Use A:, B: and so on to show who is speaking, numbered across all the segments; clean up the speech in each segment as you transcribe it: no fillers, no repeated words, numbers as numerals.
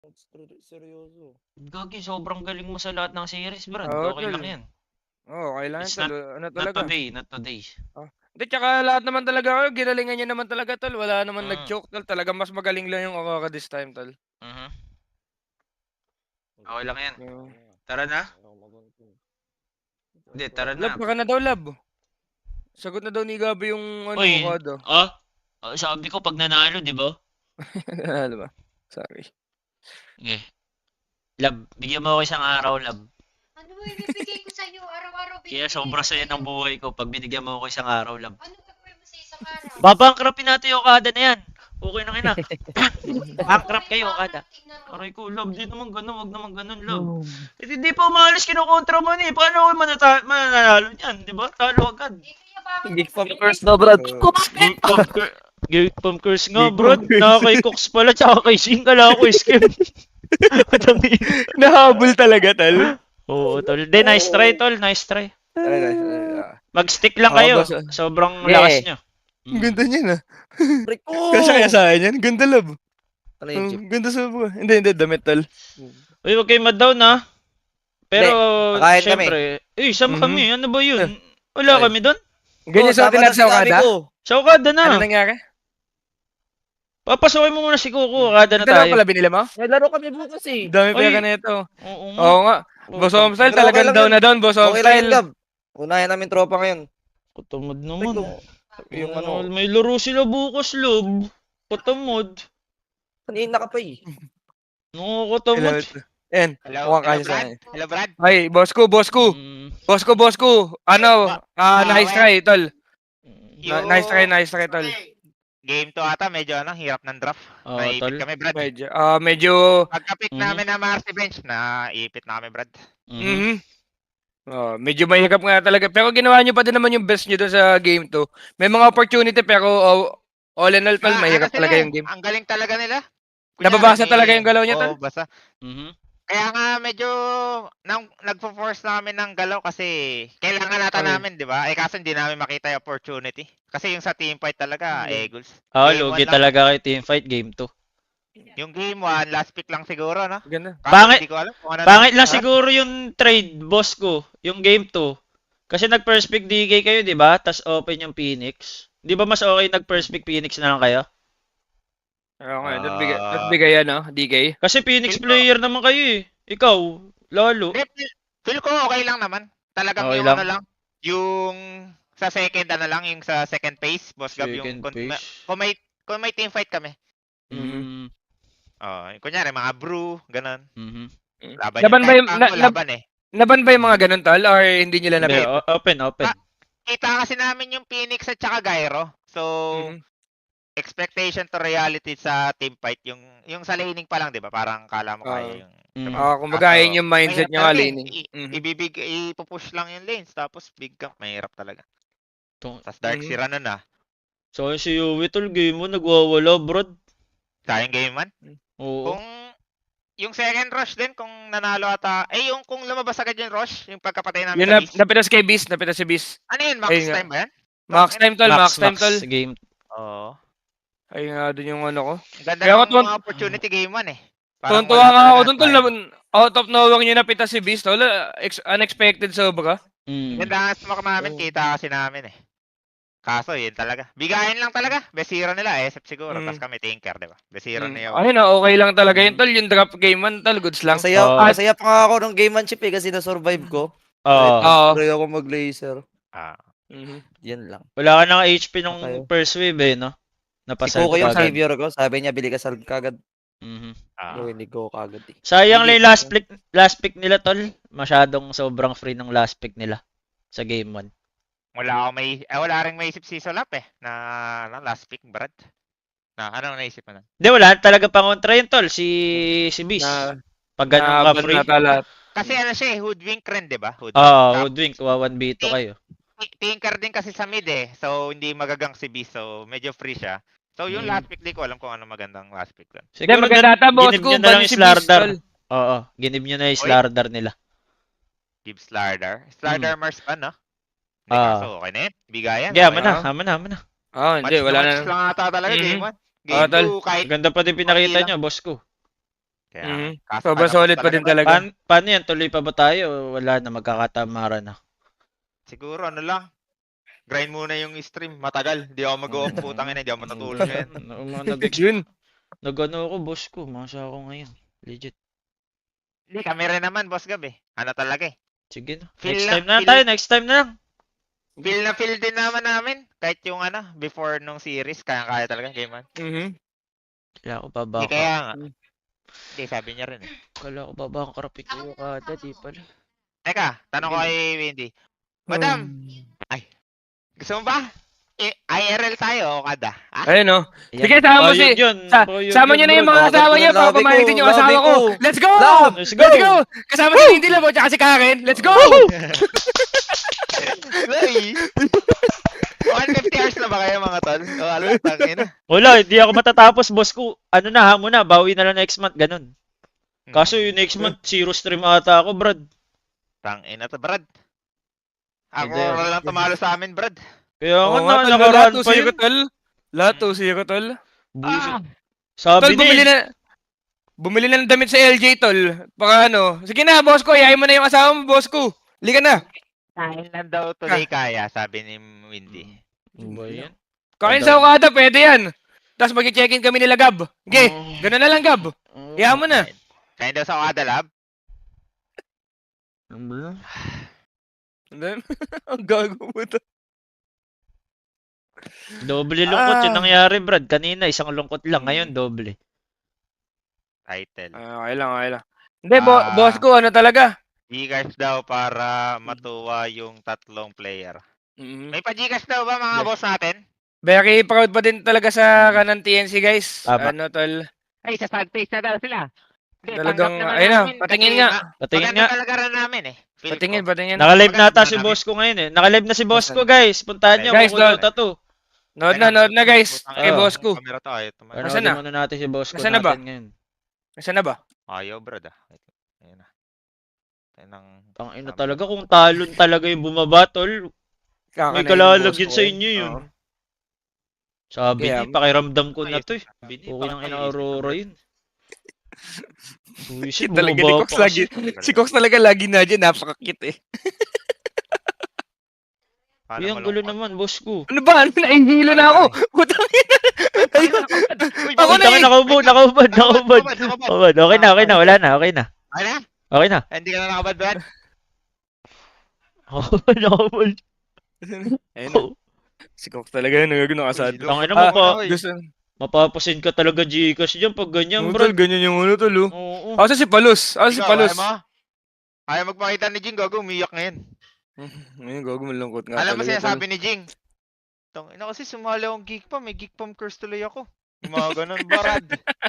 A: Seryoso.
B: Gagi, sobrang galing mo sa lahat ng series, Brad.
C: Oo,
B: Okay
C: tol.
B: lang yan.
C: Oo, kailangan
B: It's
C: tol.
B: not
C: Ano
B: not
C: talaga?
B: today, not today.
C: Hindi, tsaka lahat naman talaga kayo, ginalingan niya naman talaga, tol. Wala naman
B: Mm.
C: nag-choke, tol. Talagang mas magaling lang yung Aurora this time, tol.
B: Mhm. Okay lang yan.
C: Yeah.
B: Tara na. Hindi, tara
C: Lab,
B: na.
C: baka na daw, lab. Sagot na daw ni Gabi yung
B: Uy,
C: kada.
B: sabi ko pag nanalo, di ba?
C: Ano ba? Sorry.
B: Sige. Lab, bigyan mo ako isang araw, lab.
D: Ano ba ibibigay ko sa'yo? Araw-araw
B: Kaya
D: binibigay
B: sobra
D: ko
B: saya
D: sa'yo.
B: ng buhay ko pag binigyan mo ako isang araw, lab.
D: Ano gagawin mo sa isang araw?
B: Babankrapin natin yung kada na yan. Okay na ina. Bankrupt kayo, kada.
D: Tingnan mo.
B: Aray ko, lab, di naman ganun, wag naman ganun, lab. Hindi pa umalis, kinukontra mo ni. Paano ako mananalo niyan, di ba? Talo agad.
D: Kaya bakit
A: Geek from curse na, Brad.
B: Gate pump curse nga, bro. Kay Cox pala, tsaka kay Sing. Kala ko, scam. Madami.
C: Nahabol talaga, tol.
B: Oo, tol. De, nice try, tol. Nice try. Mag-stick lang
C: Oo,
B: kayo.
C: boss.
B: Sobrang
A: Yeah.
B: lakas nyo.
C: Ang ganda niya na.
A: Break ko!
C: Kasya sa akin yan. Ganda, lab.
A: Ano yung chip?
C: Ganda sa buka. Hindi, damit, tol.
B: Uy, huwag kayo mad-down, ha. Pero,
A: kakain
B: syempre. Uy, sama
C: Mhm.
B: kami. Ano ba yun? Wala
A: Ay.
B: kami doon?
C: Ganyan sa atin natin sa Okada?
B: Sa Okada
C: Ano
B: na.
C: nangyari?
B: Papasokin mo muna si Kuko. Okada na
C: Dalawa
B: tayo.
C: pala binili mo?
A: Naglaro kami bukas eh.
C: Dami
B: Ay.
C: pera na ito.
B: Oo nga.
C: Oo nga. Boss Home Style,
A: Pero okay
C: talagang
A: lang
C: down
A: yun.
C: na down, Boss Home
A: Okay lang yun,
C: Style.
A: Gab. Unahin namin tropa ngayon.
B: Katamad
A: Break
B: naman.
A: ko. Yung ano,
B: May laro sila bukas, lob. Katamad.
A: kanina ka pa eh.
B: Katamad.
C: Ayan,
E: Hello,
C: mukhang
E: hello,
C: kasi sa
E: Brad.
C: akin.
E: Hello, Brad.
C: Ay, boss ko. Boss ko. Ano, nice try, tol.
E: Yung
C: Nice try, tol.
E: game to ata, medyo hirap ng draft.
B: Oo,
E: Naipit
B: tol.
E: kami, Brad.
C: Medyo,
E: Pagka-pick
B: Mhm.
E: namin na Marcy Bench, naipit na kami, Brad.
C: medyo mahirap nga talaga. Pero ginawa nyo pa din naman yung best nyo doon sa game 2. May mga opportunity, pero all in all, tol, mahirap
E: Ano
C: talaga
E: sila
C: yung game.
E: Ang galing talaga nila.
C: Nababasa talaga yung galaw niya, tol?
E: Oo, basa.
B: Mhm.
E: Kaya nga medyo nagpo-force namin ng galaw kasi kailangan nata
C: Okay.
E: namin, di ba? Kaso hindi namin makita yung opportunity. Kasi yung sa team fight talaga, Eagles. Game
B: Lugi
E: 1 lang.
B: talaga kay teamfight game 2.
E: Yung game 1, last pick lang siguro, no?
C: Ganda.
E: Kaso
B: Pangit-
E: hindi ko alam kung ano
B: Pangit lang
E: Ha?
B: siguro yung trade, boss ko. Yung game 2. Kasi nag-first pick DK kayo, di ba? Tapos open yung Phoenix. Di ba mas okay nag-first pick Phoenix na lang kayo?
C: Oo nga, not bigay ano, DK.
B: Kasi Phoenix
E: Feel ko-
B: player naman kayo eh. Ikaw, lalo.
E: Hindi, feel ko okay lang naman. Talagang
B: Okay
E: yung
B: lang.
E: ano lang, yung sa second ano lang, yung sa second phase, Boss Gab, yung
B: Second page.
E: kung may team fight kami.
B: Mm.
E: Kunyari mga brew, ganun.
B: Mhm.
E: Laban
C: Laban
E: yung
C: ba yung-
E: kahit
C: na-
E: tango,
C: na-
E: laban eh.
C: Naban ba yung mga ganun, tol? Or hindi nila
B: Hindi,
C: nabit?
B: open.
E: Kita kasi namin yung Phoenix at saka Gyro. So, expectation to reality sa team fight, yung sa laning pa lang, 'di ba? Parang kala mo kaya yung
B: Mm.
C: Kumbaga yun yung mindset
E: mahirap
C: niya nga,
E: talaga eh.
C: laning. Mhm.
E: Ipupush lang yung lanes tapos big camp, mahirap talaga.
B: Tung-
E: Tapos Dark
C: Mhm.
E: Sira na.
B: So si Yui tol, game mo nagwawala, bro.
E: Sayang game man.
B: Oo.
E: Kung yung second rush din, kung nanalo ata, yung kung lumabas agad yung rush, yung pagkapatay namin
C: Yun
E: sa base.
C: napitas kay Beast, napitas si Beast.
E: Ano yun, max
C: Ayun nga.
E: time ba yan?
C: Max time, tol, max time, tol.
B: game.
E: Oo.
C: Ayun nga dun yung ano ko.
E: Ang ganda
C: Kaya ako
E: ng mga opportunity game 1 eh. Parang
C: Tuntua
E: wala
C: nga ako
E: talaga
C: dun, tol.
E: tayo.
C: Out of nowhere nyo napitas si Beast, tol. Unexpected sobra.
B: Mm.
E: Ganda nga smoke namin,
C: Oo.
E: kita kasi namin eh. Kaso yun talaga. Bigayan lang talaga. Best hero nila, SF siguro.
C: Mm.
E: Tapos kami Tinker, di ba? Best hero niya.
C: Ayun na, okay lang talaga yun, tol. Yung drop game man, tol. Goods lang.
A: Masaya pa nga ako ng game man chip eh kasi na-survive ko.
B: Oo.
C: Oo.
A: Try ako mag-laser. Yan lang.
B: Wala ka ng HP nung
A: Okay.
B: first wave eh, no?
A: Si
B: Napasal
A: Coco yung
B: ka agad.
A: savior ko. Sabi niya, bili ka salve kagad.
B: Mhm.
A: Pero hindi ko kagad eh.
B: Sayang lang
A: Hindi
B: yung last pick nila, tol. Masyadong sobrang free ng last pick nila sa game 1.
E: Wala ring maisip si Solap eh. Na last pick, Brad. Anong naisip mo na?
B: Hindi, wala talaga pangontra yun, tol. Si Beast. Pag ganun ka free.
E: Kasi ano siya eh, hoodwink rin, di ba?
B: Hoodwink. 1v2 kayo.
E: Tinker din kasi sa mid eh. So, hindi magagang si Beast. So, medyo free siya. So, yung last pick, di ko alam kung ano magandang last pick doon.
C: Hindi, maganda ata, boss
B: ginib
C: ko.
B: nyo na lang
C: Ban
B: yung
C: si Beast,
B: Slardar.
C: tol.
B: Oo, ginib nyo na yung Slardar nila.
E: Give Slardar. Slardar Mars pa, no? Hindi
B: Ah.
E: kaso, okay na yun. Bigayan.
B: Yeah,
E: okay
B: haman
E: na.
B: na.
C: Hindi, wala na.
E: Match lang ata talaga,
C: Mhm.
E: game 1.
C: Ah,
E: Game
C: tol.
E: 2, kahit
B: Ganda pa din pinakita
E: Konti
B: nyo, boss ko.
E: Kaya,
C: Sobrang solid pa din talaga.
B: Paano yan? Tuloy pa ba tayo? Wala na, magkakatamaran na.
E: Siguro, ano lang. Grind muna yung stream. Matagal. Hindi ako mag-off. Putang ina, hindi ako matutulog ngayon.
C: Yun.
B: Nag-ano ako, boss ko. Masa ako ngayon. Legit.
E: Hindi, kami rin naman, Boss Gab eh. Ano talaga eh.
B: Sige na.
E: Feel
B: Next
E: na-
B: time na
E: feel-
B: tayo. Next time na lang.
E: Feel na feel din naman namin. Kahit yung ano, before nung series, kaya talaga, game man.
B: Kaya ako pa ba?
E: Hindi kaya nga. Hindi, sabi niya rin eh.
B: Kala ko pa ba ang karapit ko kada, di pala.
E: Teka, tanong ko kay Wendy. Madam, gusto mo ba? IRL tayo o kada? Ah?
C: Ayun, no?
B: Ayan.
C: Sige, sama mo
B: Bayad
C: si...
B: yun. Bayad
C: Sama
B: yun,
C: nyo na yung
B: bro.
C: mga asawa nyo para pamalitin yung asawa ko. Let's go!
B: Let's go!
C: Let's go! Kasama si Hindi Labo tsaka si Karen. Let's go!
E: Hey! 150 hours na ba kayo mga tol? O alam, tangin na.
B: Wala, hindi ako matatapos, boss ko. Ano na, hamon na. Bawi na lang next month, ganun. Kaso yung next month, 0 stream ata ako, Brad.
E: Tangin na to, Brad. Ako
B: Hindi.
E: lang tumalo sa amin, Brad.
B: Kaya
C: Oo
B: nga
C: nga,
B: na,
C: tol. Lahat
B: nakaraan pa
C: 2-0,
B: yun.
C: tol. Lahat 2-0, tol.
B: Bullshit.
C: Tol,
B: Sabi niya,
C: bumili na ng damit sa LJ, tol. Baka ano. Sige na, boss ko. Iyayin mo na yung asawa mo, boss ko. Lika na.
E: Kain lang daw tuloy kaya, sabi ni Windy.
B: Ano ba yan?
C: Kain sa Okada, pwede yan. Tapos mag-check-in kami nila, Gab. Okay, ganun na lang, Gab. Iyayin mo na.
E: Kain daw sa Okada Lab.
B: Ano ba yan?
C: Ang gago mo to.
B: Doble lungkot yung nangyari, Brad. Kanina, isang lungkot lang. Ngayon, doble.
E: Title.
C: Okay lang, okay lang. Hindi, boss ko, ano talaga?
E: Gcash daw para matuwa yung tatlong player.
C: Mm-hmm.
E: May pa-Gcash daw ba mga
C: Yes.
E: boss natin?
C: Very proud pa din talaga sa kanan TNC, guys.
B: Tama.
C: Ano, tol?
E: Ay, sa sad face na daw sila. Hindi,
C: Talagang,
E: tanggap naman
C: ayun na,
E: namin
C: patingin
E: kasi
C: nga.
B: Patingin
E: maganda
B: nga.
E: talaga rin namin eh. Feel
C: Patingin,
E: ko.
C: patingin.
B: Nakalive na ata
E: Maganda
B: si
E: namin.
B: boss ko ngayon eh. Nakalive na si boss ko, guys. Puntahan nyo.
C: Guys,
B: Guys, Dota 2.
C: Nood na, guys.
E: Putang
C: Kay
E: ina,
C: boss ko.
E: Camera to, ayaw tumayo.
C: Nasaan
B: Panoodin
C: na?
B: muna natin si boss ko
C: Nasaan na ba?
B: natin ngayon.
C: Nasaan na ba?
E: Ayaw, brad ah. Ayun na. Ayun ang...
B: Tangina talaga kung talon talaga yung bumaba, tol. May kalalagyan sa inyo yun. Sabi
C: Kaya-
B: niya, pakiramdam ko na to eh. Okay nang ina-Aurora yun. Buisit,
C: Talaga ni
B: bumaba
C: Cox
B: pa
C: lagi.
B: kasi.
C: Si Cox talaga lagi na dyan. Napaka-cute eh.
E: Paano
B: Uy, ang gulo
E: malungkot?
B: naman, boss ko.
C: Ano ba? Nahihilo na ako. Putang ina. Ayun. Ako na eh.
B: Nakaubod. Okay na. Wala na. Okay na.
E: Ay na?
B: Okay na.
E: Hindi ka na nakabad, brad?
B: Nakaubod.
C: Ayun na. Si Cox talaga yun. Nagagano kasad.
B: Tangina
C: Ah,
B: mo pa.
C: Gusto.
B: Mapapasin ka talaga Gcash dyan pag ganyan,
C: Yung
B: bro.
C: tol, ganyan yung ulo tol. Oh.
B: Oo.
C: Ako si Palos. Ako si
E: Ikaw,
C: Palos.
E: Ayaw magpakita ni Jing, gago, umiyak ngayon.
C: Ngayon, gago malungkot nga
E: Alam mo
C: talaga,
E: sinasabi ni Jing? Ina kasi sumali akong geek pa, may geek pam curse tuloy ako. Yung mga ganun, barad.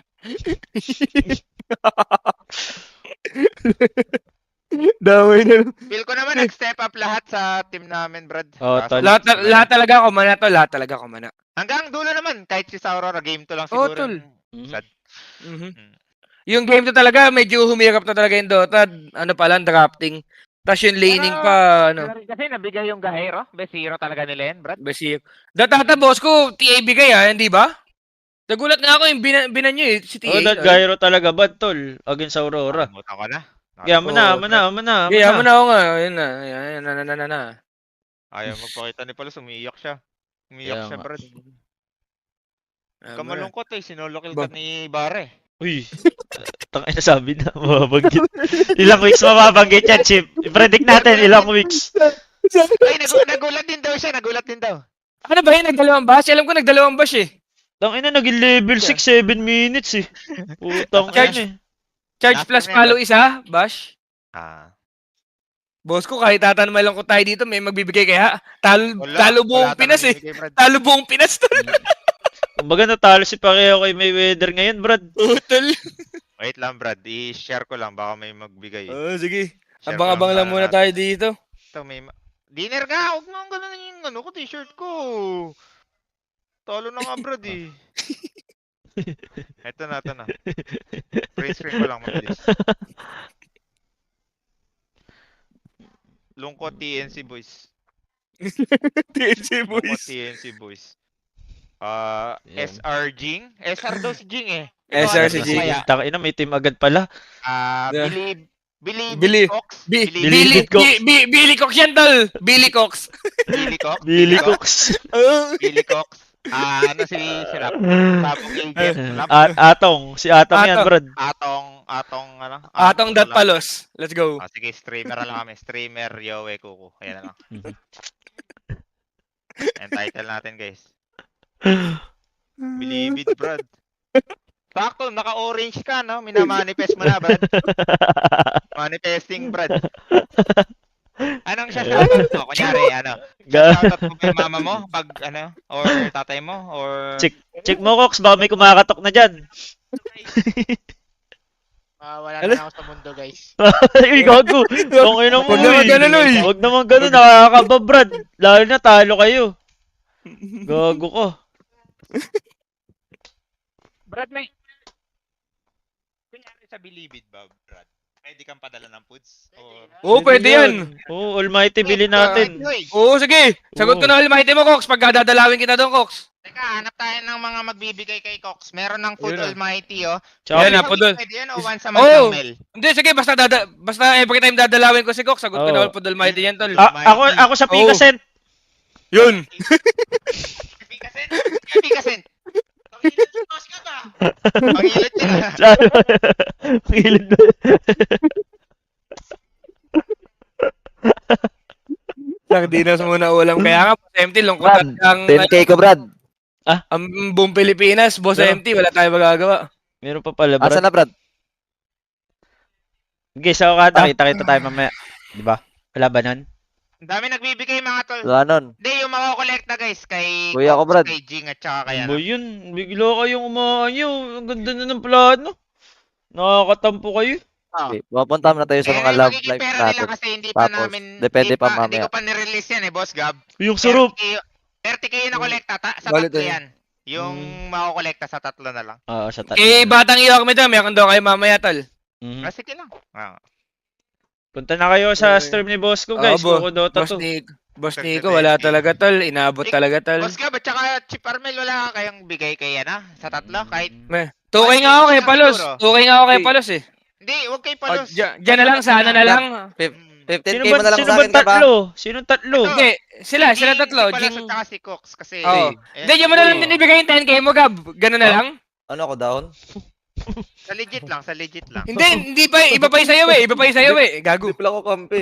C: Damay na.
E: Feel ko naman nag-step up lahat sa team namin, Brad.
B: Oh,
E: Kaso,
B: tol.
C: Lahat talaga ako mana to. Lahat talaga ako mana.
E: Hanggang dulo naman, kahit si Saurora, game to lang
C: Oo,
E: siguro.
C: tol.
B: Mhm.
E: Sad.
C: Mhm. Yung game to talaga, medyo humirap na talaga yung Dota. Ano pa lang, drafting. Tapos yung laning
E: Pero,
C: pa, ano.
E: Kasi nabigay yung Gahero. Best hero talaga nila yan, Brad.
C: Basic. Datata boss ko, TA bigay hindi ba? Nagulat nga ako yung binan nyo si TA.
B: Oh, that gyro talaga bad, tol. Against Aurora.
E: Nakalimutan ko na.
B: Kaya mo na.
C: Kaya mo na ako nga. Ayun na. Ayun na.
E: Ayaw magpakita ni Palos, umiiyak siya. Umiiyak
B: Kaya
E: siya,
B: nga.
E: Brad.
C: Ayaw mo na.
E: Kamalungkot sinolo kill ka ni Bare.
B: Uy. Tangina sabi na. Mababanggit. Ilang weeks mababanggit yan, Chip. I-predict natin ilang weeks.
E: Ay, nagulat din daw siya, nagulat din daw.
C: Ano ba yun? Nagdalawang bash? Alam ko nagdalawang bash eh.
B: Tangina naging level 6, 7 minutes eh. Putang
C: Charge.
B: ina eh.
C: Charge plus follow isa, bash. Boss ko, kahit tatanumay lang ko tayo dito, may magbibigay kaya. Talo buong Pinas eh. Talo buong Pinas to.
B: Kumbaga natalo si Pacquiao kay Mayweather ngayon, Brad.
C: Utol.
E: Wait lang, Brad. I-share ko lang. Baka may magbigay.
C: Sige.
E: Share ko
C: Abang-abang lang
E: sana
C: muna
E: natin.
C: tayo dito.
E: Ito, may... Dinner ka! Huwag mo ang ganun yung ano ko, t-shirt ko. Talo na nga, Brad eh. Ito na. Print screen ko lang, mabilis. Lungkot TNC boys.
C: TNC
E: Lungkot TNC boys.
B: Yan.
E: SR Jing? SR daw si Jing eh.
C: SR
E: ano
C: si
E: ba
C: Jiggy.
E: kaya?
B: Takina, may team agad pala.
C: Yeah.
E: Believe
C: Billy-
E: Cox?
B: Billy
C: Billy
B: Cox.
C: Billy Cox yan, tol. Billy Cox.
E: Billy Cox?
B: Billy Cox.
E: Billy Cox. Ano si Rap? Sabong agent. Rap?
B: Atong. Si Atong yan,
C: Atong.
B: brad.
E: Atong, ano?
C: Atong
E: Ano
C: dat
E: lang?
C: palos. Let's go.
E: Sige, streamer na lang kami. Streamer, Yowe, Kuku. Ayan na lang. Ang title natin, guys. Believe it, Brad. Sakto, naka-orange ka, no? Minamanifest mo na, Brad. Manifesting, Brad. Anong siya shoutout mo? Kunyari, ano? Shoutout mo ba yung mama mo? Pag, ano? Or tatay mo? Or...
B: Check mo, Cox. Baka may kumakatok na dyan.
F: Wala
C: Ano?
F: na ako sa mundo, guys.
B: Ay, gago. Okay na mo,
C: Huwag naman ganun, uy.
B: Huwag naman ganun. Nakakaba, brad. Lalo na talo kayo. Gago ko.
E: Brad, may... Kunyari sa Believe it ba, Brad? Pwede kang padala ng foods? Or...
C: Oo, pwede yan.
B: Oo, Almighty, bilhin natin.
C: Oo, sige. Sagot ko na almighty mo, Cox. Pag dadalawin kita doon, Cox.
E: Teka, hanap tayo ng mga magbibigay kay Cox. Meron ng Food
C: Yun na.
E: Almighty, oh.
B: Tsaka,
C: Yan na, Pudol.
E: Pwede yun o once a month
C: Oo.
E: lang, Mel?
C: Hindi, sige. Basta every time dadalawin ko si Cox, sagot ko
B: Oo.
C: na all pod almighty yan, tol.
B: ako sa Picasent.
C: Yun.
E: Pikasen? Pikasen? Pangilit boss ka ba? Pangilit yun.
B: Pangilid na.
C: Sardinas muna ulam. Kaya nga, Boss MT, lungkot
A: Brad,
C: ang
A: 10k ko, Brad.
C: ang buong Pilipinas, Boss
B: Yeah.
C: MT, wala tayo magagawa.
B: Meron pa pala, brad.
A: Asa na, Brad?
B: Okay, sa Okada, kita tayo mamaya. Di ba? Wala ba nun?
E: Ang dami nagbibigay mga tol.
A: Wala nun.
E: Hindi, yung makokolekta guys, kay
A: Kuya ko,
E: Cox,
A: Brad.
E: kay Jing at saka kay
B: Ba
E: ano.
B: yun? Bigla kayong umaanyo. Ang ganda na ng plano. Nakakatampo kayo.
A: Okay, pupunta na tayo sa
E: Eh,
A: mga
E: yung
A: love
E: magiging
A: life
E: pera nila
A: natin.
E: kasi hindi pa
A: Tapos,
E: namin,
A: depende pa
E: Hindi
A: mamaya.
E: ko pa nirelease yan eh, Boss Gab.
B: Yung surup.
E: 30k yung nakolekta, sa
C: Balit
E: tatlo
C: eh.
E: yan. Yung makokolekta sa tatlo na lang.
B: Oo, sa tatlo.
C: Eh, batang iyo kami doon. Meron daw kayo mamaya, tol.
B: Mhm.
E: Sige lang.
B: Punta na kayo sa
C: Eh,
B: stream ni boss ko, guys.
C: Oo,
B: Coco Dota
C: Boss
B: 2.
C: Nico. Boss Nico, wala talaga, tol. Inabot talaga, tol.
E: Boss Gab at saka Chip Armel, wala kayong bigay kay yan sa tatlo? Kahit,
C: Tukay nga ako kay Palos. Tukay nga ako kay Palos, eh.
E: hindi, huwag kay
C: O,
E: Palos.
C: Diyan na lang, sana na lang.
A: 15k
B: Sino
A: mo na lang
B: sino
A: sa
B: ba
A: akin, ka ba?
B: tatlo? Sinong tatlo?
E: Ito.
C: Hindi, sila
E: Si
C: tatlo.
E: Palos
C: Jing...
E: at saka si Cox kasi.
C: Oo.
E: eh,
C: Hindi, diyan mo na lang din ibigay yung 10k mo, Gab. Ganun na lang.
A: Ano ako down?
E: Sa legit lang, sa legit lang.
C: Hindi pa, iba pa yung sa'yo, eh. Iba pa yung sa'yo, eh. Gago.
A: Hindi pala ako kampi.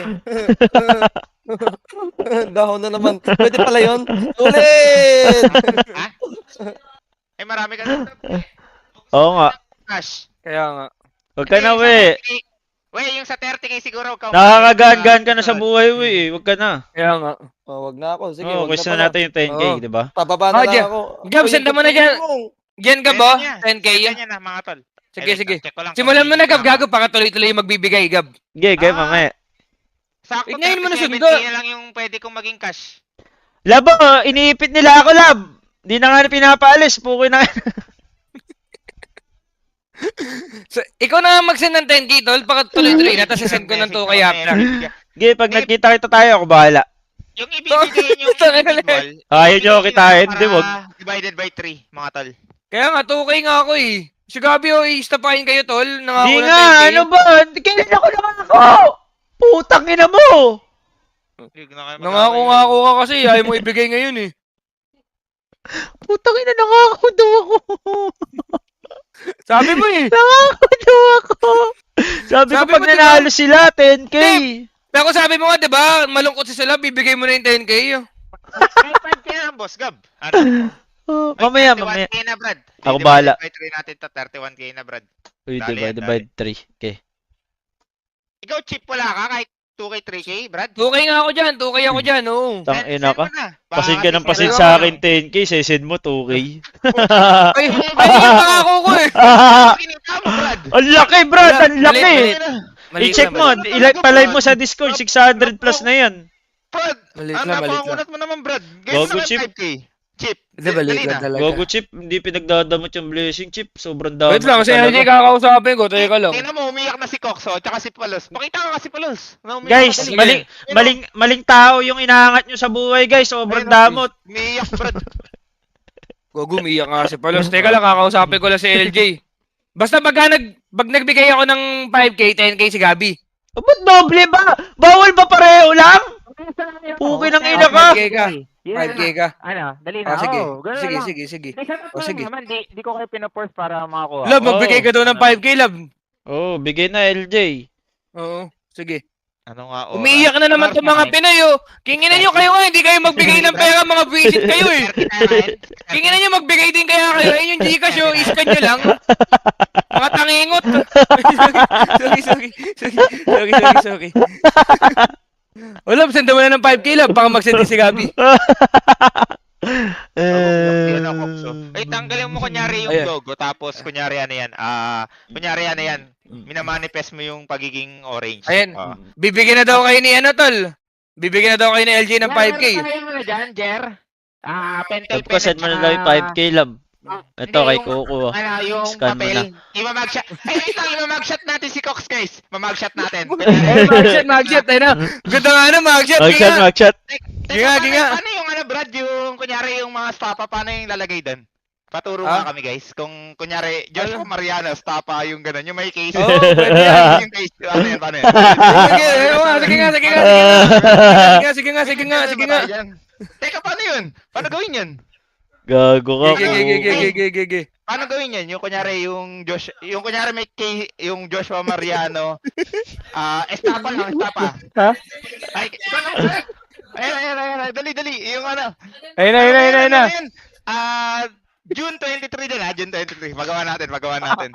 A: Dahon na naman. Pwede pala yun. Ulit!
E: Ha? Eh marami ka na.
B: Oo nga.
E: Cash.
C: Kaya nga.
B: Huwag ka na, we.
E: Yung sa 30k siguro.
B: Nakakagaan-gaan ka na sa buhay, we. Huwag ka na.
C: Kaya nga.
A: Oh, wag na ako. Sige,
B: Oo,
A: wag na
B: question
A: pala.
B: natin yung 10k,
C: Oo.
B: di ba?
A: Pababa na lang
C: Gab,
A: ako.
C: Gab, senda mo na dyan. Diyan ka ba? 10k
E: Yan
C: yan.
E: na mga tol.
C: Sige, sige.
E: Check ko lang.
C: Simulan mo na, Gab. Gago, para tuloy-tuloy yung magbibigay, Gab.
B: Okay, mamaya.
E: Sakto
C: Tignan mo na
E: 37k
C: sundo.
E: na lang yung pwede kong maging cash.
B: Lab, iniipit nila ako, Lab. Di na nga pinapaalis. Pukoy na.
C: So, ikaw na mag-send ng 10k, tol. Para tuloy-tuloy na. Tapos send ko ng 2k after.
B: Okay, pag nagkita kita tayo, ako bahala.
E: Yung ibibigay yung
C: Tangin na
E: individual.
B: Ayaw nyo kitain,
E: para
B: di wag.
E: Divided by 3, mga tol.
C: Kaya nga, 2k nga ako, eh. Si Gabi, i-stapahin kayo, tol. Nangako
B: Di
C: ng
B: nga,
C: 10K.
B: ano ba? Kailan ako nangako? Putang ina mo!
C: Nangako nga ako ka kasi. Ayaw mo ibigay ngayon, eh.
B: Putang ina, nangako daw ako.
C: Sabi mo, eh.
B: Nangako daw ako. Sabi ko
C: Sabi
B: pag
C: mo, diba?
B: nanalo sila, 10k.
C: Pero sabi mo nga, di ba? Malungkot si Sala, bibigay mo na yung 10k.
E: 5k na lang, boss Gab. Ano?
B: Oh, mamaya,
E: 31k na, Brad.
B: Ako
E: Divided
B: bahala.
E: by 3 natin to, 31k na, Brad.
B: Uy,
E: Dali yan,
B: divide 3. Okay.
E: Ikaw, chip wala ka kahit 2k, 3k, Brad.
C: 2k nga ako dyan, 2k ako dyan, oo.
B: Tang ina ka.
E: Send mo na.
B: Pasin ka ng
E: Baka
B: pasin
E: kasi-
B: sa akin 10k, sesend mo 2k.
C: Ay, yung pangako ko, eh.
E: Kinita mo, Brad.
B: Ang laki, Brad! Ang laki!
C: Maliit, maliit.
B: I-check mo, pa-live mo sa Discord, 600 plus na yan.
E: Brad,
C: Maliit
E: ano
C: lang, maliit lang.
E: napakunat mo naman, Brad?
B: Gogo,
E: Gawin mo
B: chip.
E: naman 5k. Chip.
C: Hindi, maliit
E: Dali
C: lang
E: na.
C: talaga.
B: Gogo Chip, hindi pinagdadamot yung blessing Chip. Sobrang dami.
C: Wait lang, kasi LJ kakausapin ko, teka lang.
E: Tingnan mo, umiyak na si Coxo, tsaka si Palos. Pakita ka kasi Palos. Na umiyak
B: Guys,
E: na si-
B: maling tao yung inaangat nyo sa buhay, guys. Sobrang
E: Ayun,
B: damot.
E: Umiyak, Brad.
C: Gogo, umiyak nga si Palos. Teka lang, kakausapin ko lang si LJ. Basta pag nagbigay ako ng 5K, 10K si Gabi.
B: Ba't doble ba? Bawal ba pareho lang? Puki ng ina ka.
C: 5K ka. 5K ka.
E: Ano, dali na.
C: Sige.
E: Oo, ganun
C: Sige,
E: lang.
C: sige, sige.
E: Sige.
C: sige.
E: Naman, di ko kayo pinaforce para makakuha.
C: Love, magbigay ka daw ng 5K, love.
B: Oh, bigay na LJ.
C: Oo, sige.
E: Ano nga oras?
C: Umiiyak na naman itong mga Pinoy, oh. Kinginan nyo kayo nga, hindi kayo magbigay ng pera, mga visit kayo, eh. Kinginan nyo magbigay din kaya kayo. Ayun yung Gcash, oh. Iscan nyo lang. Mga tangingot. Sorry. O, love, send mo na ng 5K, love. Baka mag-send din si Gabi.
E: Yan ako. So, tanggalin mo kunyari yung
C: Ayan.
E: logo, tapos kunyari ano yan, minamanifest mo yung pagiging orange.
C: Ayan.
E: Oh.
C: Bibigyan na daw kayo ni ano, tol. Bibigyan na daw kayo ni LJ ng 5K.
E: Ano mo na dyan, Jer? Pentel
B: Love ko, send mo na lang yung 5K, love. Ito, kay Coco.
E: Ano, yung
B: Scan mo
E: papel. Imamagshot. Imamagshot natin si Cox, guys. Mamagshot natin.
C: Magshot. Ayun na. Ganda nga na, magshot.
B: Magshot.
C: Ginga.
E: Paano yung ano, Brad, yung kunyari yung mga stapa, paano yung lalagay doon? Paturo
C: Ah?
E: nga kami, guys. Kung kunyari, Joshua Mariano, stapa yung gano'n, yung may case.
C: Oo, pwede yan.
E: Yung case, paano yan?
C: Sige nga.
E: Teka, paano yun? Paano gawin yun?
B: Gago ka.
C: Gigi.
E: Paano gawin yan? Yung kunyari yung kunyari may case, yung Joshua Mariano, estapa lang, estapa.
C: Ha?
E: Ayun, dali, yung ano.
C: Ayun na.
E: June 23 din ha, June 23. Magawa natin. Dali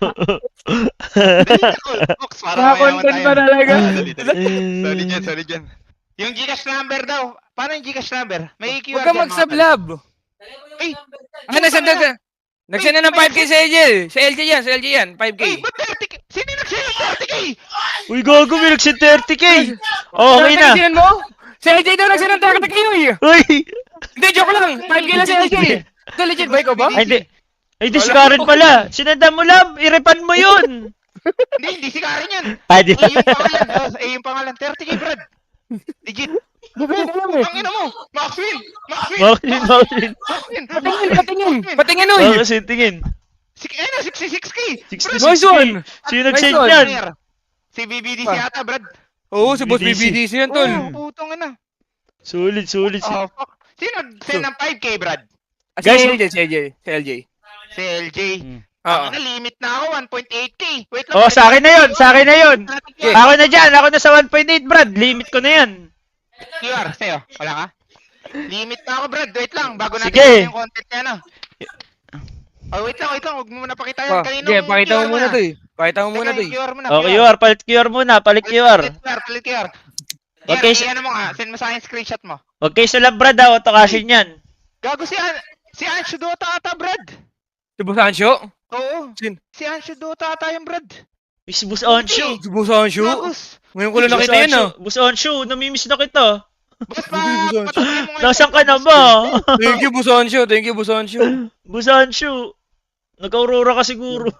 E: na, Fox, para mayaman
C: Nakakontent
E: tayo.
C: pa talaga.
E: Sorry dyan. Yung Gcash number daw. Paano yung Gcash number? May QR
C: Huwag ka
E: dyan,
C: mag-sublab.
E: Ay,
C: Nagsend na ng 5K sa LJ. Sa LJ yan. 5K.
E: Ay, ba't 30K? Sino yung nag-share ng 30K?
B: Uy, gago, may nagsin 30K. Okay na.
C: Nagsend mo? Sa LJ daw nagsend ng 30K.
B: Uy.
C: Hindi, joke lang. 5K lang sa LJ. Ito legit ba? Ikaw ba?
B: Ay, hindi si Karen pala. Sinanda mo, love. Irepan mo yun.
E: Hindi si Karen yun.
B: Ay, di.
E: Yung pangalan, 30K, Brad. Legit. Ang ina mo. Maxwin.
B: Maxin.
C: Patingin, uy.
B: Kasi tingin.
E: 66K.
B: 66K.
C: Nice one.
B: Sino nag-send
C: Nice one.
B: yan?
E: Si BBDC ata, Brad.
C: Oo, si Boss
B: BBDC.
C: BBDC yan, tol.
E: Putong ina.
B: Sulit.
E: Oh, fuck. Sino nag-send ng 5K, Brad?
C: Guys,
B: Guys,
C: si LJ.
E: Si LJ.
C: Oo.
E: Limit na ako, 1.8K. Wait lang.
B: Oh, sa akin na yun.
C: Okay.
B: Ako na dyan. Ako na sa 1.8, Brad. Limit ko na yan.
E: QR, sa'yo. Wala ka? Limit na ako, Brad. Wait lang. Bago natin
B: Sige.
E: yung content niya, no? Oh, wait lang. Huwag mo muna pakita
C: Pa,
E: yan. Kaninong
C: sige, pakita mo
E: QR
C: muna to eh. Pakita mo muna to
E: Teka,
C: eh.
E: QR muna.
B: Oh, QR. Palit QR muna. Palit QR.
E: Palit QR.
B: Okay,
E: Okay, ano mo nga. Send mo sa akin screenshot mo.
B: Okay, sa lab, Brad. Auto cashin yan.
E: Gago si Anshu Dota ata, Brad.
C: Si Boss Ansho?
E: Oo.
C: Sin?
E: Si Anshu Dota ata yung Brad.
B: Miss Bus Onshu.
C: Si Boss Ansho?
E: Gagos.
C: Ngayon ko lang nakita yan, ah.
B: Bus Onshu. Namimiss na kita.
E: Boss pa,
C: Busan.
E: patuloy mo nga.
B: Nasaan ka na ba?
C: Thank you, Boss Ansho.
B: Bus Onshu. Nag-aurora ka siguro.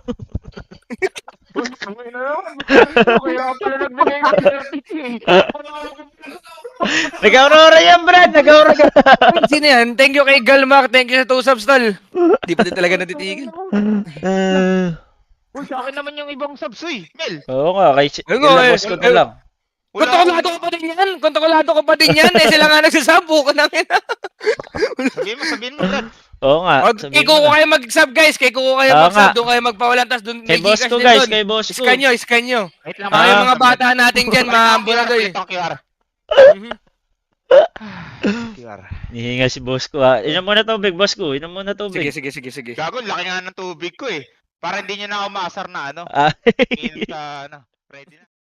E: Kaya pala nagbigay ng 30K.
B: Nag-aurora yan, Brad. Nag-aurora.
C: Sino yan? Thank you kay Galmac. Thank you sa 2 subs, tol. Di pa din talaga natitigil.
E: Uy, sa akin naman yung ibang subs, uy. Mel.
B: Oo nga. Kay
C: Ayun nga,
B: boss ko na lang.
C: Kontrolado ko pa din yan. Eh, sila nga nagsasabu ko namin.
E: Sabihin mo, Brad.
B: Oo nga.
C: Kay Kuko kayo mag-sub, guys. Kay Kuko kayo
B: Oo
C: mag-sub.
B: nga.
C: Doon kayo magpawalan. Tapos doon
B: Kay
C: may
B: boss
C: Gcash
B: ko,
C: din
B: guys.
C: doon.
B: Kay boss ko.
C: Scan nyo.
E: Wait lang.
C: Yung mga bata natin dyan, maambula doon eh.
E: Ito, QR. QR.
B: Nihinga si boss ko, ha. Inom muna tubig, boss ko. Inom muna tubig.
C: Sige.
E: Gago, laki nga ng tubig ko eh. Para hindi nyo na ako maasar na ano.
B: Ah.
E: Sa ano. Ready na.